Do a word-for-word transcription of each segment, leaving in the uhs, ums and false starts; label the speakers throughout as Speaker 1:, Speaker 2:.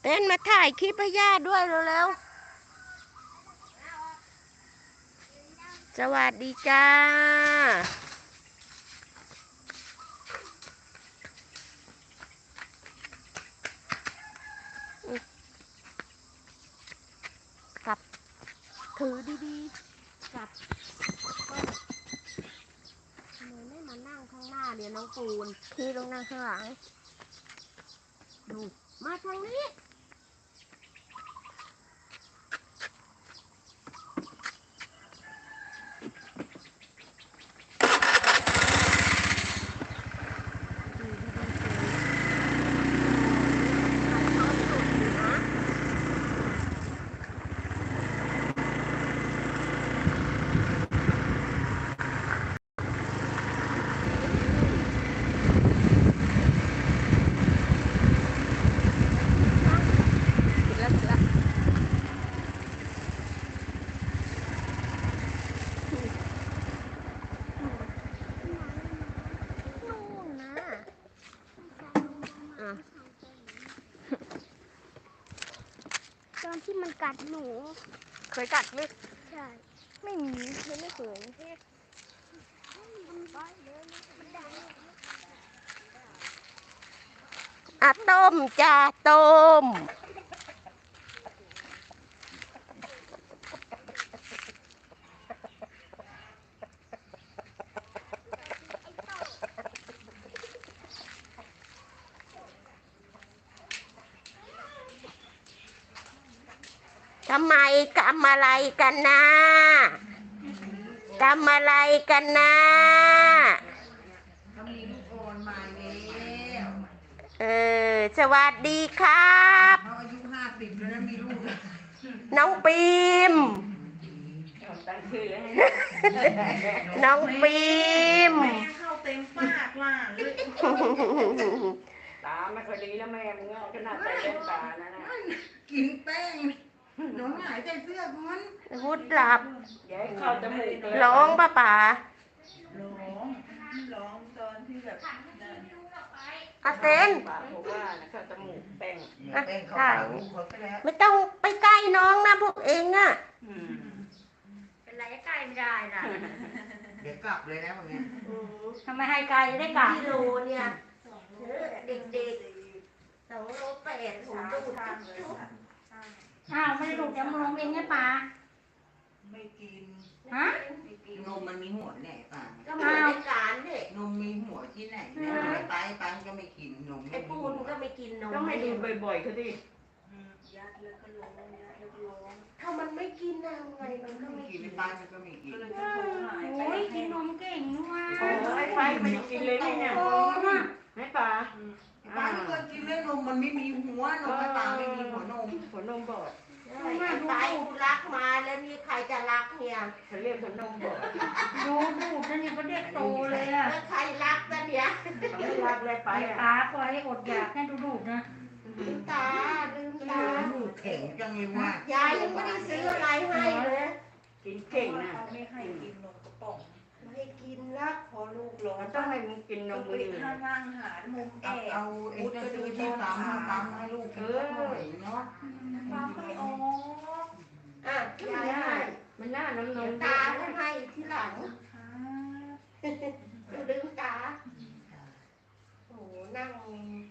Speaker 1: ต้นมาถ่ายคลิปให้ย่าด้วยเร็วๆสวัสดีจ้ากับถือดีๆกับทำไมไม่มานั่งข้างหน้าเดี๋ยวน้องปูนพี่ลงนั่งข้างหลังดูมาทางนี้
Speaker 2: ตอนที่มันกัดหนู
Speaker 1: เคยกัดไหม
Speaker 2: ใช่ไม่มีไม่ไม่เคย
Speaker 1: อ่ะต้มจ้าต้มทำไมทำอะไรกันนะทำอะไรกันนะ
Speaker 3: เขามีลูกอ่อนมาแล้ว
Speaker 1: เออสวัสดีครับ
Speaker 3: เขาอายุห้าสิบแล้วนะมีลูก
Speaker 1: น้องปีมน้องปีม
Speaker 3: แม่เข้าเต็มปากล่ะ
Speaker 4: ตาไม่ค่อยดีแล้วแม่มึงขนาดใส่แว่นตานะนะ
Speaker 3: กินแป้งน้องหายใจเสื้อมัน
Speaker 1: วุดหลับ
Speaker 4: อย่าให้เข้าจมูกเลย
Speaker 1: ร้องป้าป๋า
Speaker 3: ร้องร้องตอนที่แบบ
Speaker 1: อาเต้น
Speaker 4: ปากบอกว่านะเข้าจมูกแป้ง
Speaker 3: แป้งเขาปากลูกเขาไปแล้ว
Speaker 1: ไม่ต้องไปใกล้น้องนะพวกเองอ่ะ
Speaker 2: เป็นไรใกล้ไม่ได้ล่ะ
Speaker 3: เดี๋ยวกลับเลยนะวันนี้
Speaker 2: ทำไมให้ไกลได้กลับ
Speaker 1: กิโลเนี่ยเด็กๆสองโลแปดถุงดูด
Speaker 2: อ้าวไม่ได้ลูกจะมาลงเองไงป่า
Speaker 3: ไม่กิน
Speaker 2: ฮะ
Speaker 3: นมมันมีหัวแหน่ป่ะ
Speaker 1: ก็เหมือนในการเนี่ย
Speaker 3: นมมีหัวที่ไหนเนี่ยไตปังก็ไม่กินนม
Speaker 1: ไอ้ปูนก็ไม่กินนม
Speaker 4: ต้องให้ดูบ่อยๆเขาดิ
Speaker 1: ถ้ามันไม่กินนะไงมันก็ไม่
Speaker 3: กิ
Speaker 1: กิ
Speaker 3: น
Speaker 1: น
Speaker 3: ในบ้านมันก็ไม่กิน
Speaker 2: โอ้ยกินนมเก่งนู่น
Speaker 4: โอ้ยไปไม่ได้กินเลยนี่เนี่ย
Speaker 2: โอ้น่ะ
Speaker 4: ให้ปลา
Speaker 3: ป้าไม่เคยกินเลยนมมันไม่มีหัวนมปลาไม่มีหัวนม
Speaker 4: หัวนมบอด
Speaker 1: ไปกูรักมาแล้วนี่ใครจะรักเนี่ย
Speaker 4: เขาเรียกหัวนมบอด
Speaker 2: ดูดูนั่นนี่ก็เด็กโตเลยอ่ะ
Speaker 1: แล้วใครรักนะเนี่ย
Speaker 4: เขาไม่รักเลยไป
Speaker 2: ไป
Speaker 4: อ่ะ
Speaker 2: ตาปล่อยให้อดอยากให้ดูดูนะ
Speaker 1: ลืมตาลืมตา
Speaker 3: ลูกแข็งจังเลยว่าย
Speaker 1: ายยังไม่ได้ซื้ออะไรให้เลย
Speaker 4: กินเก่งนะ
Speaker 3: ไม่ให้กินนมกระป๋อง
Speaker 1: ไม่ให้กินละ
Speaker 3: พอลูกร้อ
Speaker 4: มัน นต้องให้มึงกินนมมืออื่น
Speaker 3: ถ้านั่งหามุมแอบเอาเอ็นจะซื้อที่ปั๊มมาปั๊มให้ลูกกินหน่อยเนาะ
Speaker 2: ปั๊มไม่ออก
Speaker 1: อ่ะยายให้
Speaker 4: มันน่าน้ำน
Speaker 1: เดี๋ยว
Speaker 4: ม
Speaker 1: ตาจะให้ทีหลังลืมตาโอ้นั่ง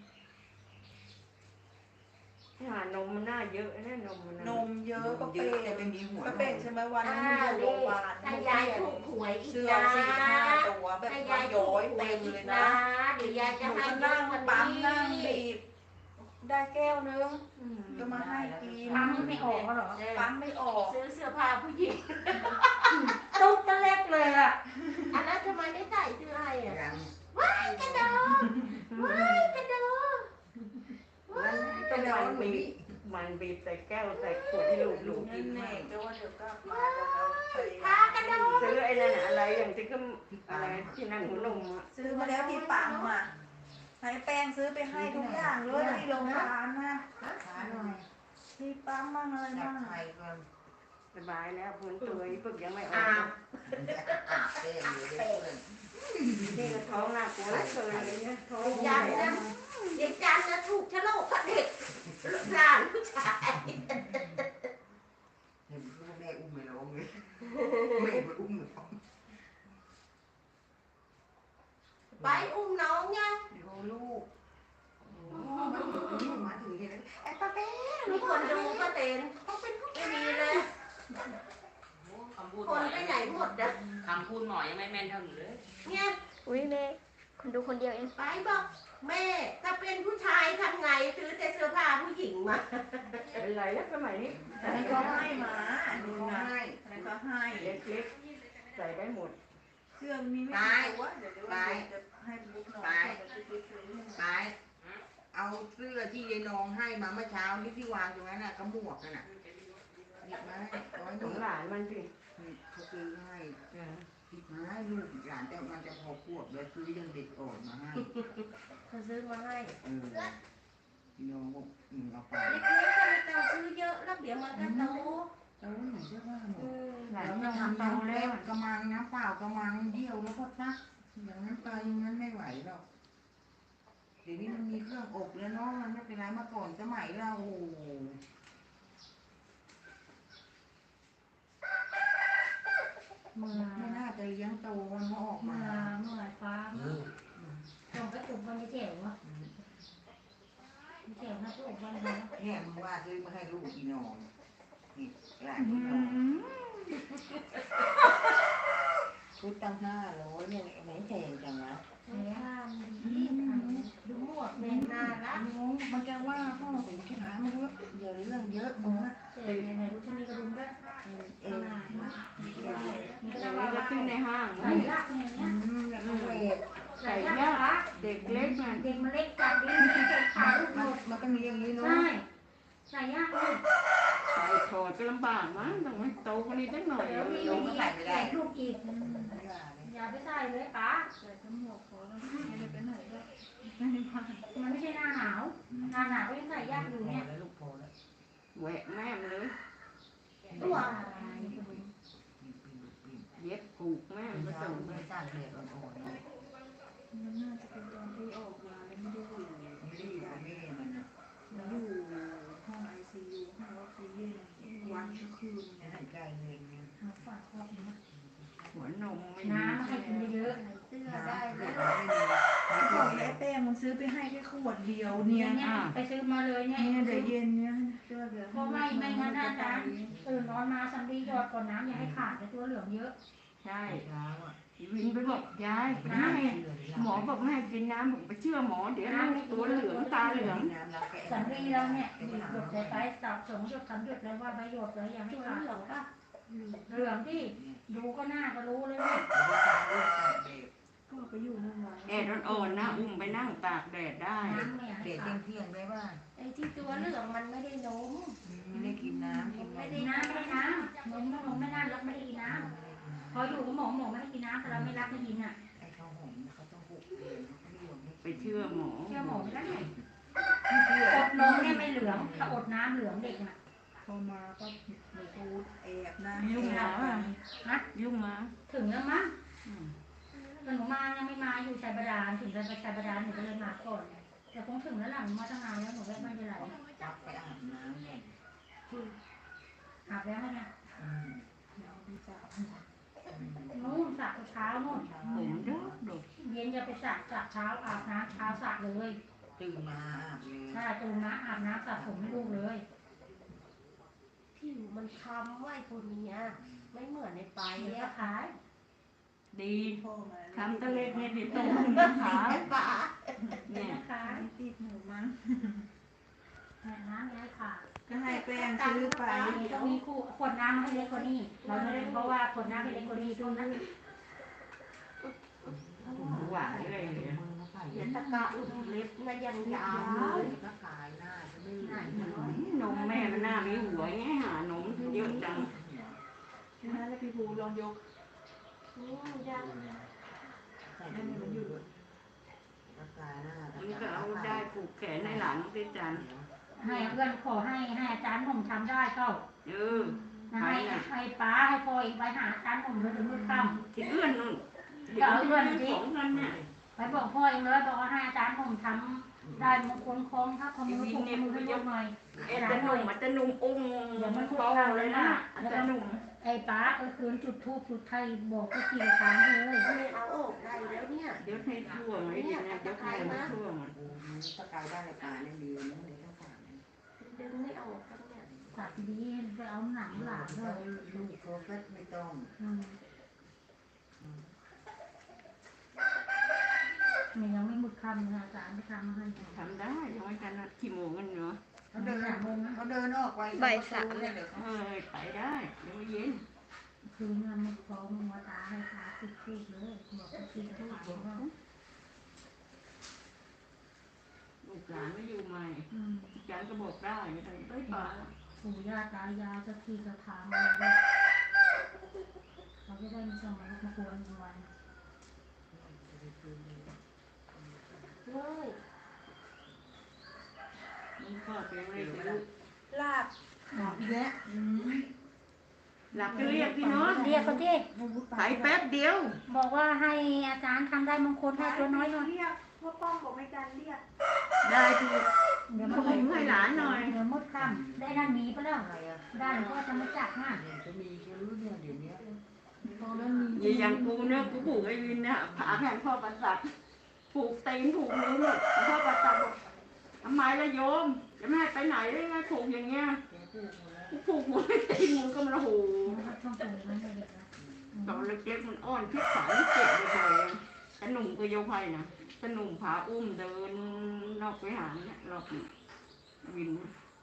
Speaker 4: หานมมันน่าเยอะนะนมมัน
Speaker 3: นมเยอะก็เป้แต่ไม่มีหัว
Speaker 5: ก็เป็นใช่ไหมวัน
Speaker 1: อ่า
Speaker 5: นั้นอยู่โรงพ
Speaker 1: นี่
Speaker 5: ยาบาล
Speaker 1: ถ้ายายถูกหวยอีก
Speaker 5: เสื้อ
Speaker 1: นะ
Speaker 5: สี่ห้าตัวแบบ
Speaker 1: ถ้า
Speaker 5: ว่าย
Speaker 1: ายถู
Speaker 5: ย้อก ย
Speaker 1: หวย
Speaker 5: เต็ม
Speaker 1: อี
Speaker 5: เล
Speaker 1: ก
Speaker 5: ย
Speaker 1: นะ
Speaker 5: นะ
Speaker 1: เดี๋ยวยาย
Speaker 5: ห
Speaker 1: จะ
Speaker 5: นู
Speaker 1: ให้
Speaker 5: ก็
Speaker 1: เย
Speaker 5: นั่
Speaker 1: อะ
Speaker 5: ง
Speaker 1: กว่า
Speaker 5: ปั๊ม
Speaker 1: นี้
Speaker 5: นั่งบีบได้แก้วนึงก็มาให้กิน
Speaker 2: ปั๊มไม่ออกเหรอ
Speaker 5: ปั๊มไม่ออก
Speaker 1: ซื้อเสื้อผ้าผู้หญิง
Speaker 2: ตุ๊กตะเล็กเลยอ่ะ
Speaker 1: อันนั้นทำไมไม่ใส่เสื้อให้อ่ะ
Speaker 3: ยัง
Speaker 1: ว้ายกระโดดว้ายกระโดดว้าย
Speaker 4: ต้องมันบีบมันบีบใส่แก้วใส่ขวดที่ลูกลูก
Speaker 5: นั่
Speaker 4: กิ
Speaker 5: น
Speaker 4: น
Speaker 5: แน่
Speaker 4: มาก
Speaker 5: ก็ว่าเดี๋ยวก็มาแล้วก็ไป
Speaker 1: พากระโดด
Speaker 4: ซื้อไอ้นั่นอะไรอย่างที่ก็อะไรที่นั่งหัวนมอ่ะ
Speaker 5: ซื้อมาแล้วที่ปั๊มอ่ะให้แป้งซื้อไปให้ทุกอย่างเลยที่โรงพยาบาลนะ
Speaker 3: ช้าหน่อย
Speaker 5: ที่ปั๊มมั่งอะไร
Speaker 3: จับ
Speaker 5: มั่ง
Speaker 3: ไข่ก่อน
Speaker 4: สบายแล้วพ้นตัวอีฝึกยังไม่ออ
Speaker 1: อ้าก ว
Speaker 3: อาบเต้อยู่เด็กเพื่อน
Speaker 4: นี่ก็ท้องน่ากลัวเหลือเกินเลยเนี่ยท้อง
Speaker 1: ยันนะเด็กจันนะถูกชะโลกกับเด็กหลาน
Speaker 3: เห็นพ่อแม่อุ้มไม่ร้องเลยแม่ไปอุ้มร้อง
Speaker 1: ไปอุ้มน้องไง
Speaker 3: เดี๋ยวลูกโอ้มาถึงมาถึงเห็นไอ้ป้าเป้
Speaker 1: มีคนดูป้าเต็น
Speaker 3: เขาเป็นผู้
Speaker 1: ไม่มีเลย
Speaker 4: คำพูด
Speaker 1: คนไปไหนหมดอะ
Speaker 4: คำพูดหมอยังไม่แม่นเท่าหนูเลย
Speaker 1: เนี่ย
Speaker 2: อุ้ยแม่คนดูคนเดียวเอง
Speaker 1: ไปบอกแม่ถ้าเป็นผู้ชายทำไงซื้อแต่เสื้อผ้าผู้หญิงมา
Speaker 4: เป็นไรแล้วสมัยนี้
Speaker 5: อันนี้ก็ให้มาอันนี้
Speaker 3: เขา
Speaker 5: นะ
Speaker 3: ให้
Speaker 5: อันนี้ก็ให้
Speaker 4: เล็กๆใส่ได้หมด
Speaker 5: เสื้อมีไม่กี่ตัวเดี๋ยวเดี๋ยวจะให้บุ๊กน้องส่งไปซื้อซื้อให้
Speaker 3: ไปเอาเสื้อที่ยายนองให้มาเมื่อเช้านี้ที่วางตรงนั้นน่ะกระหมวกนั่นน่ะหยิบมาให้ร้อยห
Speaker 4: ข
Speaker 3: นึ่
Speaker 4: อง งหลานมันสิ
Speaker 3: เขาซื้อให้หยิบมาให้ลูกหลานแต่มันจะพอขวบแล้วซื้อยังเด็กอ่อนมาให้
Speaker 1: เขาซื้อมาให้
Speaker 3: เออพี่น้องบอกอืมเอาไป
Speaker 1: เล็กๆก็ไม่ต้องซื้อเยอะแล้วเดี๋ยวมันก็โต
Speaker 3: โอ้ยหนูเชื่อว่าหมด
Speaker 1: เออ
Speaker 4: หลาน
Speaker 3: แล้ว
Speaker 4: มั
Speaker 3: มาน ทำ
Speaker 4: ทำโต
Speaker 3: น้ำ
Speaker 4: แล้
Speaker 3: แล้ว วกระมังน้ำเปล่ากระมังเดียวแล้วก็ซักอย่างนั้นไปอย่างนั้นไม่ไหวหรอกเดี๋ยวนี้มันมีเครื่องอบแล้วเนาะมันไม่เป็นไรเมื่อก่อนสมัยเราโอ้โหเมื่อไม่น่าจะเลี้ยงโตมันก็ออก
Speaker 2: เมื่
Speaker 3: มา
Speaker 2: อเมื่อฟ้าส่งไปอุบวันที่เจ๋วอ่ะเจ๋วนะอุบวันแล้ว
Speaker 3: แค่มึงว่าซื้อมาให้ลูกอีนองนี่หลานอีนองชุดตั้งห้าร้อยเนี่ยไหนแพงจังวะ
Speaker 2: เฮ้ยดูหมวก
Speaker 1: แม่
Speaker 2: เนี่ย
Speaker 1: น่ารัก
Speaker 3: น้องมันจะว่าพ่อเป็นขี้หามันเยอะเยอะเรื่องเยอะมึงอะ
Speaker 2: เจ๋วเนี่ยไหนดูที่นี่กระดุมด้วย
Speaker 3: เออ
Speaker 2: นี่ก็
Speaker 4: เดี๋
Speaker 2: จะ
Speaker 4: ยว
Speaker 2: ว่า
Speaker 4: นี้จะขึ้นในห้าง
Speaker 2: ใส่ยากเนี่ย
Speaker 3: อืมแล้วก็เวท
Speaker 2: ใส่ยากละ
Speaker 4: เด็กเล็กน่ะ
Speaker 2: เด็กมันเล็กจัดดิใส่ขาลูกหม
Speaker 3: มัน
Speaker 2: ด
Speaker 3: มันต้องมีอย่างนี้เนาะ
Speaker 2: ใช่ใส่ยากเลย
Speaker 4: ใส่ถอดก็ลำบากมั้งต้องให้โตกว่านี้สักหน่อย
Speaker 2: เดี๋ยวมีมีใส่ลูกอีก
Speaker 3: อย่าเลย
Speaker 2: อย่าไปใส่เลยป้า
Speaker 5: ใส่ทั้งหมวกพอแล้วไม่ได้ไปไหนก็
Speaker 2: มันไม่ใช่หน้าหนาวหน้าหนาวก็ยังใส่ยากอยู่เนี่ย
Speaker 3: แล้วลูกพอแล้ว
Speaker 4: แหวะแม่มเลย
Speaker 2: ตัว
Speaker 4: เย็บผูกแม่ม
Speaker 3: ไม่
Speaker 4: ก็
Speaker 3: ต้อ
Speaker 4: ส่
Speaker 3: ง
Speaker 4: งไป
Speaker 3: ไม่จ้างเด็กอ่อนๆนะ
Speaker 5: มันน่าจะเป็นตอนที่ออกมาแล้วไม่ได้อยู่
Speaker 3: ไม่ได้อยู่กับแม่มันนะ
Speaker 5: อยู่ห้องไอซียูห้องออกซิเจนวันก็คืน
Speaker 3: หายใจเองเนี่ย
Speaker 2: หาฝากครอบนะ
Speaker 4: หัวนมไม่
Speaker 2: น้ำให้กินเยอะ
Speaker 1: เสื้อได้
Speaker 3: ไม่
Speaker 1: แล้ว
Speaker 3: มี
Speaker 5: เขาบอกไอ้แป้งมันซื้อไปให้แค่ขวดเดียว
Speaker 2: ๆ
Speaker 5: เนี่
Speaker 2: เนี่ย ยเนี่ยไปซื้อมาเลยเนี่ย
Speaker 5: เนี่ยเดี๋ยวเย็นเนี่ยเสื้อเดี๋ยว
Speaker 2: เพราะไม่ไม่งั้นนะจ๊ะตื่นนอนมาสัมดีหยอดก่อนน้ำอย่าให้ขาดแต่ตัวเหลืองเยอะ
Speaker 4: ใช่
Speaker 3: เช้าอ่ะ
Speaker 4: วินไปบอกยายน้ำให้หมอบอกให้กินน้ำผมไปเชื่อหมอเดี๋ยวน้ำตัวเหลืองตาเหลือง
Speaker 2: สัมดีเราเนี่ยหยดใส่ไปตับสองหยดสามหยดเลยว่าใบหยดเลยอย่าให้
Speaker 1: ตัว
Speaker 2: ขาด
Speaker 1: เหลืองป่ะ
Speaker 2: เหลืองที่ดูก็หน้าก็รู้เลยว่า
Speaker 5: ก็ไปอยู่นั่นไว้
Speaker 4: แอดอ่อนๆนะอุ้มไปนั่งตากแดดได้
Speaker 2: น้ำเนี่ย
Speaker 3: เด็กเที่ยงๆได้ป่ะ
Speaker 1: ไอ้ที่ตัวเหลืองมันไม่ได้นม
Speaker 3: ไม่ได้กินน้ำกิน
Speaker 2: ไม่
Speaker 3: น
Speaker 2: ได้น้ำไม่ได้น้ำนมนมไม่น่ารักไม่ได้กินน้ำพออยู่กับหมอหมอไม่ให้กินน้ำแต่เราไม่รักไม่กินอ่ะ
Speaker 3: ไอ้ข้าวหอมเขาต้องหกเดือนไม่ยอมให้
Speaker 4: ไปเชื่อหมอ
Speaker 2: เชื่อหมอไม่ได้
Speaker 3: ไม่เชื่อ
Speaker 2: อดนมเนี่ยไม่เหลืองถ้าอดน้ำเหลืองเด็กน่ะ
Speaker 5: พอมาก็ในตูดแอบนะ
Speaker 4: ยุ่งแล้วอ่ะ
Speaker 2: ฮะ
Speaker 4: ยุ่งมา
Speaker 2: ถึงแล้วมั้ง
Speaker 4: อืม
Speaker 2: แต่หนูมายังไม่มาอยู่ชายบาดาลถึงจะไปชายบาดาลหนูก็เลยมาก่อนแต่คงถึงแล้วหลังมาตั้งนานแล้วหนูก็ไม่เป็นไร
Speaker 3: จับไปอาบน้ำเนี่ย
Speaker 2: อาบแล้วไง
Speaker 3: อืม
Speaker 2: นู่นสระเช้านู่น
Speaker 4: ผมเด้อดก
Speaker 2: เย็นจะไปสระสระเช้าอาบน้ำเช้าสระเลย
Speaker 3: ตื่นมาอาบเลย
Speaker 2: ถ้าตูนนะอาบน้ำสระผมให้ลูกเลย
Speaker 1: ผิวมันคล้ำไว้คนเนี้ยไม่เหมือนในไป
Speaker 2: เดี๋ยว
Speaker 1: อะ
Speaker 2: ขาย
Speaker 4: ดี
Speaker 5: พ่อมา
Speaker 4: ทำตะเล็ดเนี่ยดิตรงนะขา
Speaker 1: ป่า
Speaker 4: เนี่ย
Speaker 2: ขาย
Speaker 5: ติดหนูมั้ง
Speaker 2: น้ำไม่ให้ขาด
Speaker 5: ก็ให้แป้งซื้อไป
Speaker 2: ต้องมีคู่ขวดน้ำให้เล็กกว่านี้เราไม่ได้เพราะว่าขวดน้ำให้เล็กกว่านี้ตรงนั้น
Speaker 4: หวานเลยเนี่ย
Speaker 3: มือมาใส่
Speaker 1: เดี๋ยวตะกะอุ้มเล็บนะยังยาว
Speaker 3: เล
Speaker 1: เลย ย
Speaker 3: ก็กายหน้าจะไม่
Speaker 4: นมแม่มันหน้ามีหัวไงหานมเยอะจัง
Speaker 5: ฉะนั้นแล้วพี่ภูลองยก
Speaker 1: อืมยัง
Speaker 3: ใส่ได้มันอยู่ก็กายหน้า
Speaker 4: มันก็เอาได้ผูกแขนในหลานน้องติจัน
Speaker 2: ให้เพื่อนขอให้ให้อาจารย์ผมทำได้เข้า
Speaker 4: เออ
Speaker 2: ให้ให้ป้าให้พ่ออีกไปหาอาจารย์ผมเลยถึงมือค่
Speaker 4: ที่เอื้อนนู่นเดี๋ยวเอื้อนของกันเนี่ย
Speaker 2: ำไปบอกพ่อเองเลยบอกว่าให้อาจารย์ผมทได้มงคลคล้องถ้าคนมือถูกมือให้ยกหน่อย
Speaker 4: เอ็ดจะหนุ่มมันจะหนุ่มอุ้ง
Speaker 2: เดี๋ยวมัน
Speaker 4: ค
Speaker 2: ถูก
Speaker 4: อ
Speaker 2: ทาง
Speaker 4: เล
Speaker 2: เลย ย
Speaker 4: นะ
Speaker 2: นะ
Speaker 4: มันจะหนุ่ม
Speaker 2: ไอ้ป้าก็คืนจุดทูบจุดไทยบอกก็ขี่ทางเลย
Speaker 1: ไม่เอาออกได้แล้วเนี่ย
Speaker 4: เดี๋ยวให้ทั่วไหมดีนะเดี๋ยวให้มันทั่วมัน
Speaker 3: โอ้โหถ้ากายได้ในป่าเนี่ยดีนะเดี๋ยวต้องผ่านนะ
Speaker 1: ดึงไม่ออกครับเนี่ย
Speaker 2: ตัดดีไปเอาหนังหลานเล
Speaker 3: เรา
Speaker 2: ย
Speaker 3: ลูกเขาก็ไม่ต้อง
Speaker 2: อืมมันยังไม่หมดคำนะอาจารย์ไปทำมาให้
Speaker 4: ทำได้ยังไม่กันนะขี้โมงกันเนาะ
Speaker 3: เขาเดินเขาเดินออกไปเนี่ยเดี๋ยวเขา
Speaker 4: เออไปได้เดี๋ยวเย็น
Speaker 2: คืนนั้นมันฟ้องมาตาให้ขาติดคุกเลยบอกว่าติดคุกว่า
Speaker 4: ลูกหลานไม่อยู่ใหม่
Speaker 2: อืม
Speaker 4: ฉันก็บอกได้ไม่ต้องไปป่า
Speaker 2: ปู่ย่าตายายจะที่จะถามอะไรด้วยเขาจะได้ไม่ต้องมาลุกมาควรวัน
Speaker 1: เฮ้ย
Speaker 4: มันก็เป็นอะไรไม่รู้
Speaker 5: ลาบ
Speaker 3: บอกอีกแล้ว
Speaker 4: หลับก็เรียกพี่น้อง
Speaker 2: เรียกเขาดิ
Speaker 4: ไปแป๊บเดียว
Speaker 2: บอกว่าให้อาจารย์ทำได้มงคลให้ตัวน้อยหน่อย
Speaker 5: เรียกพ่อป้องบอกไม่การเรียก
Speaker 4: ได้ที
Speaker 2: เดี๋ยว
Speaker 4: ข
Speaker 2: มัน
Speaker 4: นมให้หลานหน่อย
Speaker 2: เดี๋ยวมดคำได้ด้านหมีไปแล้ว
Speaker 3: อะไรอ่ะ
Speaker 2: ด้านก็จะมาจับง่ะ
Speaker 3: เดี๋ยวจะมีแค่รู้เนี่ยเดี๋ยวนี้
Speaker 2: ตอนนั้นมี
Speaker 4: อย่าอย่างกูเนี่ยกูผูกไอ้วินเนี่ยผาแผ่นพ่อประสัตผูกตีนผูกนิ้วเนี่ยพ่อประสัตบอกทำไมละโยมจะไม่ให้ไปไหนได้ไงผูกอย่างเงี้ย
Speaker 3: แกพูดมาแล้ว
Speaker 4: กูผูกหัวไม่ตีนมึงก็มันโอ้โห
Speaker 2: ช่องโตมันเด็กนะ
Speaker 4: ตอนเล็กๆมันอ้อนพิษสารเจ็บเลยแต่หนุ่มก็โยภัยนะแต่หนุ่มผาอุ้มเดินนอกไปหาเนี่ยรอบนี้วิน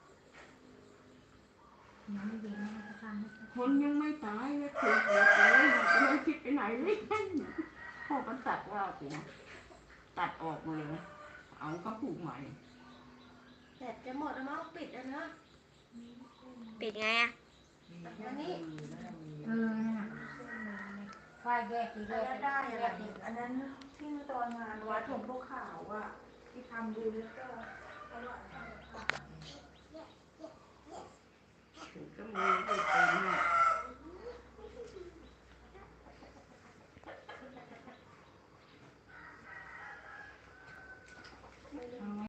Speaker 2: ยังไม่เย็นนะจะทำให้
Speaker 4: คนยังไม่ตายเลยถูกหมดเลยจะไม่คิดไปไหนเลยพ่อประสัตว่ากูตัดออกมาเลยเอาก็ผูกใหม่
Speaker 1: แบตจะหมดแล้วมั้งปิดแล้วนะ
Speaker 6: ปิดไงอะ
Speaker 1: อันนี้
Speaker 2: เออน่ะไฟแยกทีแย
Speaker 5: อัน
Speaker 2: ก
Speaker 5: นั้นได้
Speaker 2: แย
Speaker 5: อะไร
Speaker 2: กที
Speaker 5: อันนั้นที่ตอนงานวัดหลวงพ่อขาวอ่ะที่ทำบุญแล้วก็เอาไว้
Speaker 4: ก็มีไปตีน